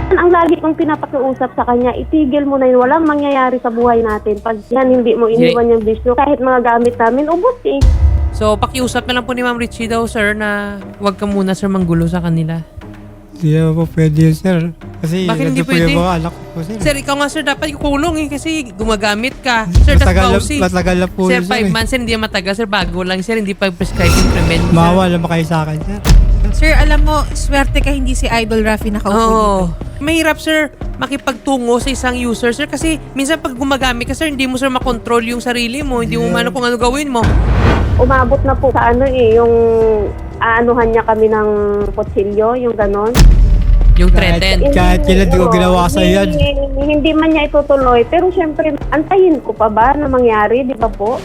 Ang lagi kong pinapakiusap sa kanya, itigil mo na yun. Walang mangyayari sa buhay natin. Pag yan hindi mo iniwan yung bisyo, kahit mga gamit namin, ubos eh. So, pakiusap na lang po ni Ma'am Richie daw, sir, na huwag ka muna, sir, manggulo sa kanila. Hindi naman po pwede yun, sir. Kasi Bakit hindi nandun po pwede? yung mga anak ko po, sir. Sir, ikaw nga, sir, dapat kukulong eh, kasi gumagamit ka. Sir, that's bawsi. Matagal na po Sir, yun, 5 months, sir, hindi yan matagal. Sir, bago lang, sir, hindi pa prescribe yung treatment. Mawa naman kayo sa akin, sir. Sir, alam mo, swerte ka hindi si Idol Rafi nakaupo dito. Oo. Mahirap, sir, makipagtungo sa isang user, sir, kasi minsan pag gumagamit ka, sir, hindi mo, sir, makontrol yung sarili mo. Hindi mo mano kung ano gawin mo. Umabot na po sa ano eh, yung aanuhan niya kami ng kutsilyo, yung ganon. Yung threaten. Kahit kailan di ko ginawa sa yan. Hindi man niya itutuloy. Pero syempre, antayin ko pa ba na mangyari, di ba po?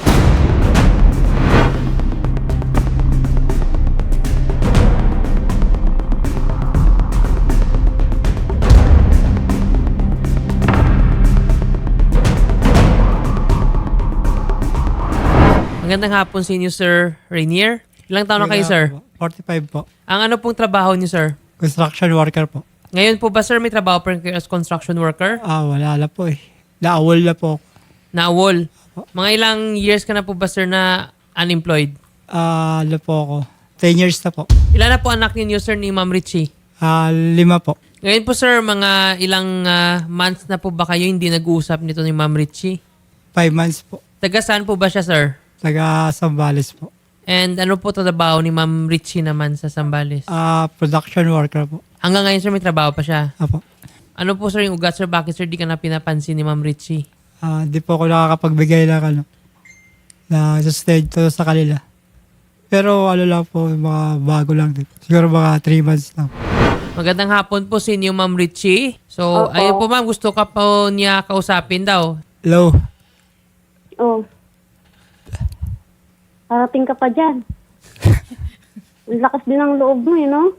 Magandang hapon sa inyo, Sir Rainier. Ilang taon na kayo, sir? 45 po. Ang ano pong trabaho niyo, sir? Construction worker po. Ngayon po ba, sir, may trabaho pa rin kayo as construction worker? Wala na po eh. Naawol na po. Na-awol. Mga ilang years ka na po ba, sir, na unemployed? Ano po ako. 10 years na po. Ilan na po anak ninyo, sir, ni Ma'am Richie? 5 po. Ngayon po, sir, mga ilang months na po ba kayo hindi nag-uusap nito ni Ma'am Richie? 5 months po. Taga saan po ba siya, sir? Taga Sambales po. And ano po trabaho ni Ma'am Richie naman sa Sambales? Production worker po. Hanggang ngayon, sir, may trabaho pa siya. Apo. Ano po, sir, yung ugat, sir? Bakit, sir, di ka na pinapansin ni Ma'am Richie? Di po ako nakakapagbigay ng na sustento sa kanila. Pero ano lang po, mga bago lang din. Siguro mga 3 months lang. Magandang hapon po sa inyo, Ma'am Richie. So, Opo. ayun po, ma'am, gusto ka po niya kausapin daw. Hello. Oh. Parating ka pa dyan. Ang lakas din ng loob mo eh, no?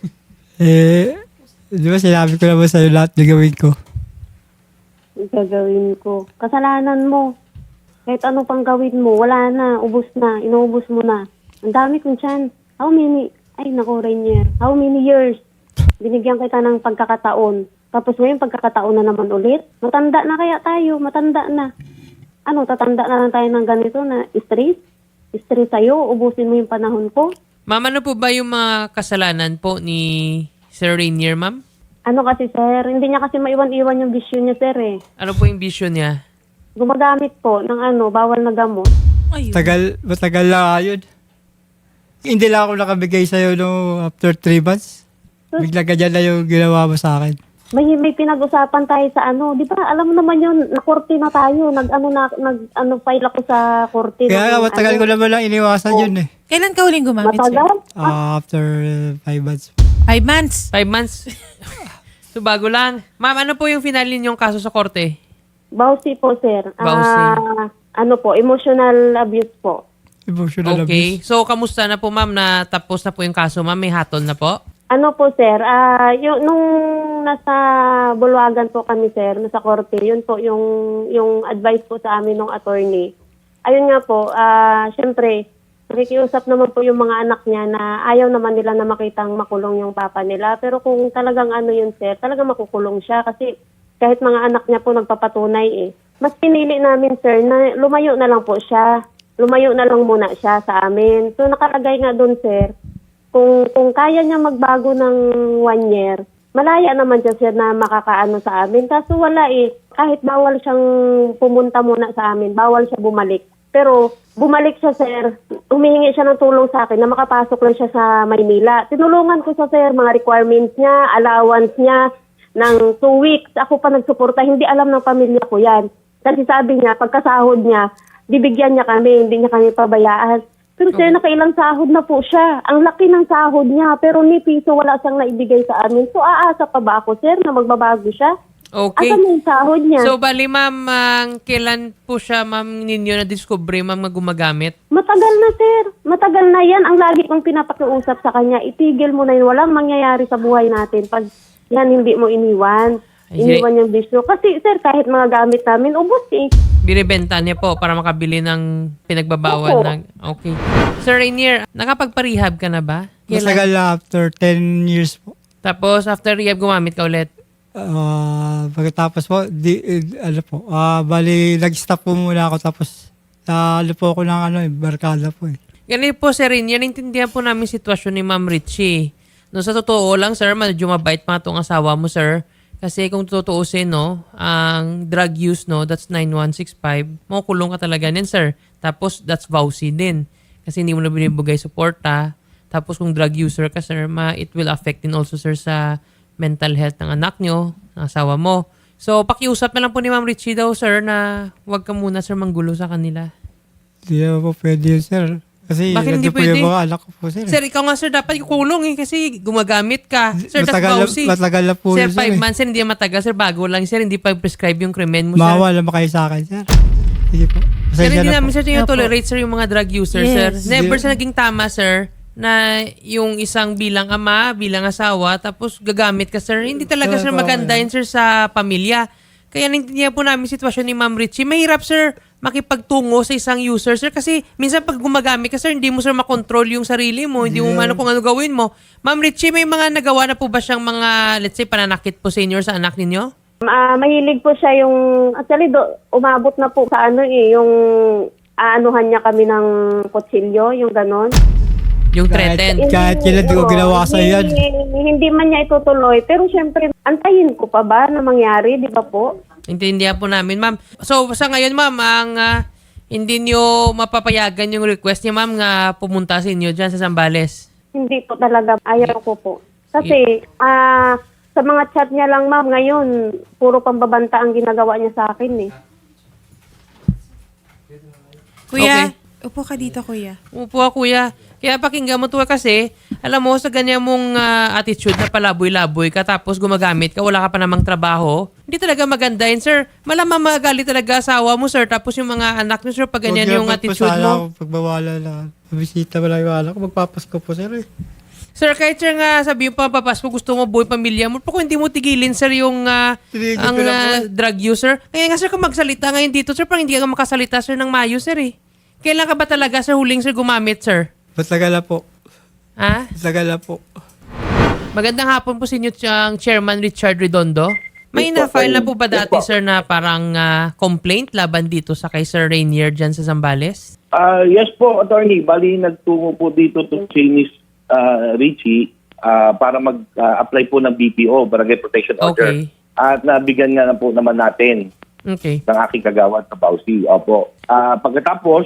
Di ba sinabi ko naman sa'yo lahat na gawin ko? Gagawin ko. Kasalanan mo. Kahit ano pang gawin mo, wala na, ubos na, inuubos mo na. Ang dami kong tiyan. How many, ay naku, Rainier, how many years? Binigyan kita ng pagkakataon. Tapos ngayon, pagkakataon na naman ulit. Matanda na kaya tayo, matanda na. Ano, tatanda na lang tayo ng ganito na stress? Stress sa'yo, ubusin mo yung panahon ko. Ma'am, ano po ba yung mga kasalanan po ni Sir Rainier, ma'am? Ano kasi, sir, hindi niya kasi maiwan-iwan yung bisyo niya, sir, eh. Ano po yung vision niya? Gumagamit po ng bawal na gamot. Ayun. Matagal na yun. Hindi lang ako nakabigay sa'yo no after 3 months. Bigla ganyan na yung ginawa mo sa akin. May pinag-usapan tayo sa di ba? Alam mo naman yun, na-korte na tayo. File ako sa korte. Kaya nga, matagal ko naman lang iniwasan yun eh. Kailan ka huling gumamit, sir? Matagal? After 5 months. 5 months. 5 months? So, bago lang. Ma'am, ano po yung final ninyong kaso sa korte? Bawsi po, sir. Bawsi. Emotional abuse po. Emotional Okay. abuse. So, kamusta na po, ma'am, na tapos na po yung kaso, ma'am? May hatol na po? Ano po, sir? Nung nasa Bulwagan po kami, sir, nasa korte, yun po yung advice po sa amin ng attorney. Ayun nga po, syempre, nakikiusap naman po yung mga anak niya na ayaw naman nila na makitang makulong yung papa nila. Pero kung talagang yun, sir, talagang makukulong siya kasi kahit mga anak niya po nagpapatunay eh. Mas pinili namin, sir, na lumayo na lang po siya. Lumayo na lang muna siya sa amin. So nakalagay nga doon, sir, kung kaya niya magbago ng 1 year, malaya naman siya, sir, na makakaano sa amin. Kaso wala eh. Kahit bawal siyang pumunta muna sa amin, bawal siya bumalik. Pero bumalik siya, sir, humihingi siya ng tulong sa akin na makapasok lang siya sa Maynila. Tinulungan ko siya, sir, mga requirements niya, allowance niya ng 2 weeks. Ako pa nagsuporta, hindi alam ng pamilya ko yan. Kasi sabi niya, pagkasahod niya, bibigyan niya kami, hindi niya kami pabayaan. Pero sir, nakailang sahod na po siya. Ang laki ng sahod niya, pero ni piso wala siyang naibigay sa amin. So aasa pa ba ako, sir, na magbabago siya? Okay. Asan yung sahod niya? So, bali, ma'am, kailan po siya, ma'am, ninyo na-discover, ma'am, na gumagamit? Matagal na, sir. Matagal na yan. Ang lagi kong pinapakiusap sa kanya, itigil mo na yun. Walang mangyayari sa buhay natin pag yan hindi mo iniwan. Iniwan yung bisyo. Kasi, sir, kahit mga gamit namin, ubos eh. Binibenta niya po para makabili ng pinagbabawal Opo. ng... Okay. Sir Rainier, nakapagpa-rehab ka na ba? Masagal na after 10 years po. Tapos, after rehab, gumamit ka ulit? Pagkatapos po, bali, nag-stop po muna ako tapos ano po ako ng barkada po eh. Ganun po, Sir Rin, yan intindihan po namin sitwasyon ni Ma'am Richie. No, sa totoo lang, sir, medyo mabait pa itong asawa mo, sir. Kasi kung tutuusin, no, ang drug use, no, that's 9165. Makukulong ka talaga din, sir. Tapos, that's vowsy din. Kasi hindi mo na binibigay suporta. Tapos, kung drug user ka, sir, it will affect din also, sir, sa mental health ng anak nyo, ng asawa mo. So, pakiusap na lang po ni Ma'am Richie daw, sir, na huwag ka muna, sir, manggulo sa kanila. Hindi naman po pwede yun, sir. Kasi Bakit hindi nandun po pwede? yung mga anak ko po, sir. Sir, ikaw nga, sir, dapat kukulong kasi gumagamit ka. Sir, that's vowsy. Matagal na po Sir, yun, 5 months, sir, hindi yan matagal. Sir, bago lang, sir, hindi pa prescribe yung krimen mo, sir. Mawala ba kayo sa akin, sir? Sige po. Sir, Pasensya hindi na namin, po. sir, tolerate, sir, yung mga drug user, Yes. sir. Never Yeah. sa naging tama, sir, na yung isang bilang ama, bilang asawa, tapos gagamit ka, sir. Hindi talaga, sir, maganda yun, sir, sa pamilya. Kaya naintindihan po namin sitwasyon ni Ma'am Richie. Mahirap, sir, makipagtungo sa isang user, sir. Kasi minsan pag gumagamit ka, sir, hindi mo, sir, makontrol yung sarili mo. Hindi mo Yeah. kung ano gawin mo. Ma'am Richie, may mga nagawa na po ba siyang mga, let's say, pananakit po senior sa anak ninyo? Mahilig po siya yung, actually, umabot na po sa yung aanuhan niya kami ng kutsilyo, yung ganon. Yung threaten. Kahit kailan di ko ginawa sa yan. Hindi man niya itutuloy, pero syempre, antayin ko pa ba na mangyari, di ba po? Intindihan po namin, ma'am. So, sa ngayon, ma'am, ang hindi nyo mapapayagan yung request niya, ma'am, nga pumunta sa inyo dyan sa Zambales. Hindi po talaga, ayaw ko po. Kasi, sa mga chat niya lang, ma'am, ngayon, puro pambabanta ang ginagawa niya sa akin eh. Kuya, upo ka dito, kuya. Upo, kuya. Kaya pakinggan mo to kasi, alam mo, sa ganyan mong attitude na palaboy-laboy ka tapos gumagamit ka, wala ka pa namang trabaho, hindi talaga maganda yun, sir. Malamang magalit talaga asawa mo, sir. Tapos yung mga anak mo, sir, pag ganyan yung attitude mo. Pagbawala na. Bisita wala yung anak ko. Magpapasko po, sir eh. Sir, kahit sir nga sabi yung papapasko, gusto mo buhay pamilya mo, pero kung hindi mo tigilin, sir, yung Tinigil ang ko na po. drug user. Kaya nga, sir, kung magsalita ngayon dito, sir, parang hindi ka makasalita, sir, ng mayo, sir, eh. Kailan ka ba talaga, sir, huling, sir, gumamit, sir? Matagal na po. Ha? Matagal na po. Magandang hapon po sa inyo, Chairman Richard Redondo. May na-file na po ba dati, sir, na parang complaint laban dito sa kay Sir Rainier dyan sa Zambales? Yes po, attorney. Bali, nagtungo po dito to Chinese Richie para mag-apply po ng BPO, Barangay Protection Order. Okay. At nabigyan nga na po naman natin Okay. ng aking kagawad sa Bausi. Opo. Pagkatapos,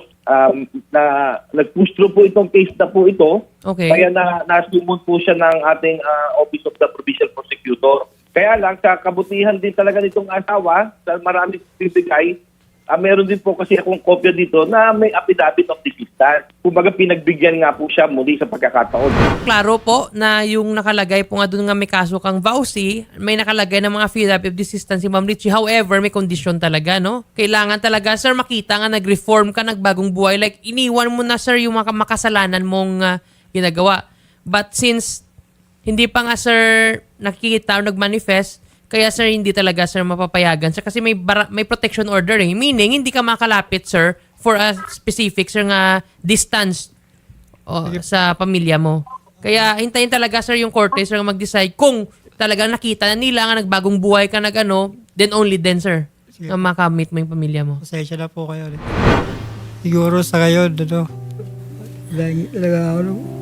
nag-push through po itong case na po ito. Okay. Kaya nasumon po siya ng ating Office of the Provincial Prosecutor. Kaya lang, sa kabutihan din talaga nitong asawa, sa maraming bibigay, meron din po kasi akong kopya dito na may affidavit of desistance. Kumbaga pinagbigyan nga po siya muli sa pagkakataon. Klaro po na yung nakalagay po nga doon nga may kaso kang vowsy, may nakalagay ng mga affidavit of desistance si Ma'am Richie. However, may condition talaga, no? Kailangan talaga, sir, makita nga nag-reform ka, nagbagong buhay. Like, iniwan mo na, sir, yung mga makasalanan mong ginagawa. But since hindi pa nga, sir, nakikita o nag-manifest, kaya, sir, hindi talaga, sir, mapapayagan. Sir, kasi may protection order eh. Meaning, hindi ka makalapit, sir, for a specific, sir, nga distance sa pamilya mo. Kaya, hintayin talaga, sir, yung korte, sir, mag-decide kung talagang nakita na nila nga nagbagong buhay ka then only then, sir, na makamit mo yung pamilya mo. Pasensya na po kayo. Siguro sa ngayon, talaga ako.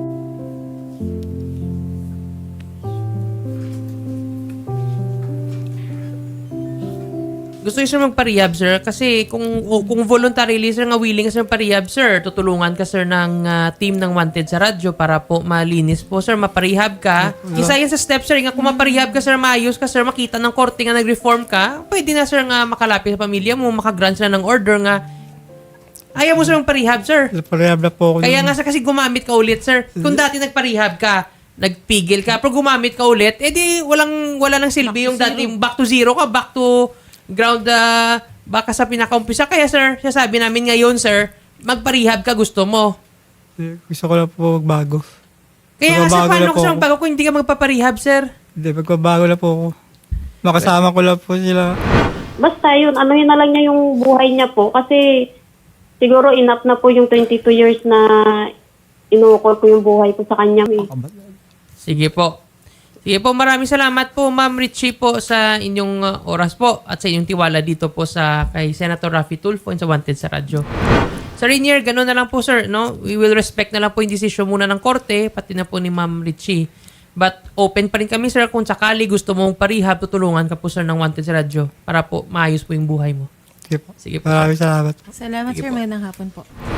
Gusto niyo, sir, magpa-rehab, sir? Kasi kung voluntarily, sir, nga willing ka, sir, pa-rehab, sir, tutulungan ka, sir, ng team ng Wanted sa radyo para po malinis po, sir, maparehab ka. Isa yan sa steps, sir, nga kung maparehab ka, sir, maayos ka, sir, makita ng korte nga nag-reform ka, pwede na, sir, nga makalapit sa pamilya mo, makagrant sila ng order nga. Ayaw mo, sir, magpa-rehab, sir. Parehab na po ako. Kaya nga, sir, kasi gumamit ka ulit, sir. Kung dati nagpa-rehab ka, nagpigil ka, pero gumamit ka ulit, edi wala nang silbi yung dati, back to zero ka, back to ground baka sa pinaka-umpisa. Kaya, sir, sabi namin ngayon, sir, magpa-rehab ka, gusto mo. Gusto ko na po magbago. Kaya nga, sir, Magbabago paano na ko, po sir, ako. bago kung hindi ka magpaparehab, sir? Hindi, magbabago na po ako. Makasama ko lang po sila. Basta yun, anuhin na lang niya yung buhay niya po. Kasi siguro enough na po yung 22 years na inukol ko yung buhay ko sa kanya. Eh. Sige po. Sige po, maraming salamat po Ma'am Richie po sa inyong oras po at sa inyong tiwala dito po sa kay Senator Raffy Tulfo and sa Wanted sa Radyo. Sir Rainier, gano'n na lang po sir, no? We will respect na lang po yung desisyon muna ng korte, pati na po ni Ma'am Richie. But open pa rin kami sir kung sakali gusto mong parehab, tutulungan ka po sir ng Wanted sa Radyo para po maayos po yung buhay mo. Sige po. Sige po. Maraming salamat. Salamat, Sige sir. po. Magandang hapon po.